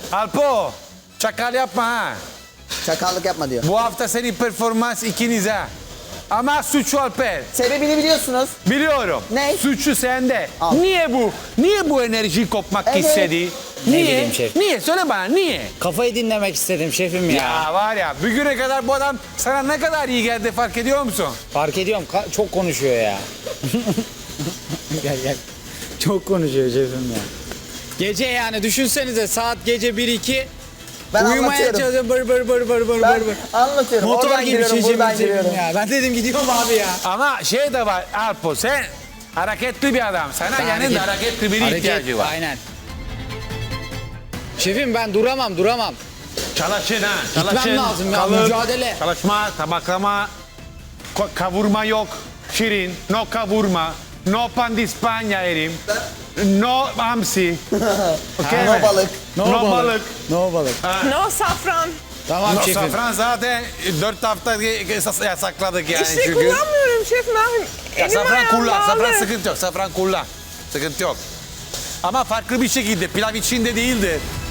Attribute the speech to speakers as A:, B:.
A: Alpo, çakal yapma ha.
B: Çakallık yapma diyor.
A: Bu hafta senin performans ikinize. Ama suçu Alper.
B: Sebebini biliyorsunuz.
A: Biliyorum.
B: Ne?
A: Suçu sende.
B: Al.
A: Niye bu? Niye bu enerjiyi kopmak
B: Evet.
A: istedi?
C: Ne
A: Niye?
C: bileyim şef.
A: Niye? Söyle bana niye?
C: Kafayı dinlemek istedim şefim ya.
A: Ya var ya bugüne kadar bu adam sana ne kadar iyi geldi fark ediyor musun?
C: Fark ediyorum çok konuşuyor ya. Gel. Çok konuşuyor şefim ya. Gece yani düşünsenize saat gece 1-2.
B: Ben
C: Uyumaya
B: anlatıyorum.
C: çalışıyorum bır
B: Ben
C: bır.
B: anlatıyorum.
C: Motor
B: Oradan
C: gibi
B: giriyorum, buradan
C: şefim
B: giriyorum.
C: ya. Ben dedim gidiyorum abi ya.
A: Ama şey de var Alpo sen hareketli bir adam. Sana yanında hareketli biri ihtiyacı var.
C: Aynen. Şefim ben duramam.
A: Çalışın ha.
C: Gitmem
A: Çalışın.
C: lazım ya, mücadele.
A: Çalışma, tabaklama, kavurma yok. Şirin, no kavurma, no pan di Spagna erim. No hamsi. Okay
B: No
A: mi?
B: balık.
A: No balık.
C: No balık.
D: No safran.
C: Tamam
A: No
C: şefim.
A: safran zaten 4 hafta yasakladık yani
D: İşte
A: çünkü.
D: kullanmıyorum şef. Ne yapayım?
A: Ya
D: Elim
A: safran
D: ayağım
A: kullan,
D: bağlı.
A: safran sıkıntı yok, safran kullan. Sıkıntı yok. Ama farklı bir şekilde, pilav içinde değildir.